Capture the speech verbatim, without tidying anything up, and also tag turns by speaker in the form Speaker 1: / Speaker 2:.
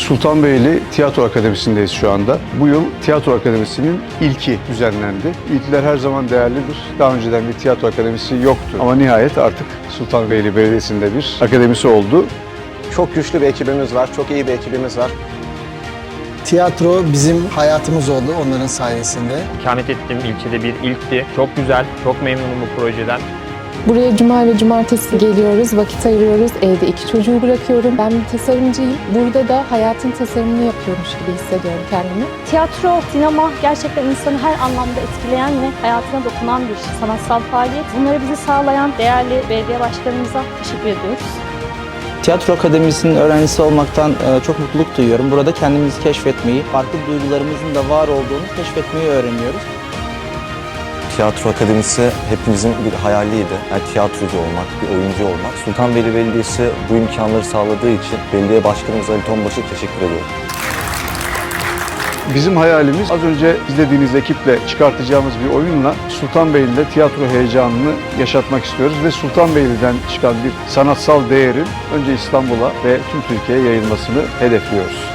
Speaker 1: Sultanbeyli Tiyatro Akademisi'ndeyiz şu anda. Bu yıl Tiyatro Akademisi'nin ilki düzenlendi. İlkler her zaman değerlidir. Daha önceden bir tiyatro akademisi yoktu. Ama nihayet artık Sultanbeyli Belediyesi'nde bir akademisi oldu.
Speaker 2: Çok güçlü bir ekibimiz var, çok iyi bir ekibimiz var.
Speaker 3: Tiyatro bizim hayatımız oldu onların sayesinde.
Speaker 4: İkamet ettiğim ilçede bir ilkti. Çok güzel, çok memnunum bu projeden.
Speaker 5: Buraya cuma ve cumartesi geliyoruz, vakit ayırıyoruz. Evde iki çocuğu bırakıyorum. Ben bir tasarımcıyım. Burada da hayatın tasarımını yapıyormuş gibi hissediyorum kendimi.
Speaker 6: Tiyatro, sinema gerçekten insanı her anlamda etkileyen ve hayatına dokunan bir sanatsal faaliyet. Bunları bize sağlayan değerli belediye başkanımıza teşekkür ediyoruz.
Speaker 7: Tiyatro Akademisi'nin öğrencisi olmaktan çok mutluluk duyuyorum. Burada kendimizi keşfetmeyi, farklı duygularımızın da var olduğunu keşfetmeyi öğreniyoruz.
Speaker 8: Tiyatro Akademisi hepimizin bir hayaliydi. Yani tiyatrocu olmak, bir oyuncu olmak. Sultanbeyli Belediyesi bu imkanları sağladığı için belediye başkanımız Ali Tonbaş'a teşekkür ediyorum.
Speaker 1: Bizim hayalimiz az önce izlediğiniz ekiple çıkartacağımız bir oyunla Sultanbeyli'de tiyatro heyecanını yaşatmak istiyoruz ve Sultanbeyli'den çıkan bir sanatsal değerin önce İstanbul'a ve tüm Türkiye'ye yayılmasını hedefliyoruz.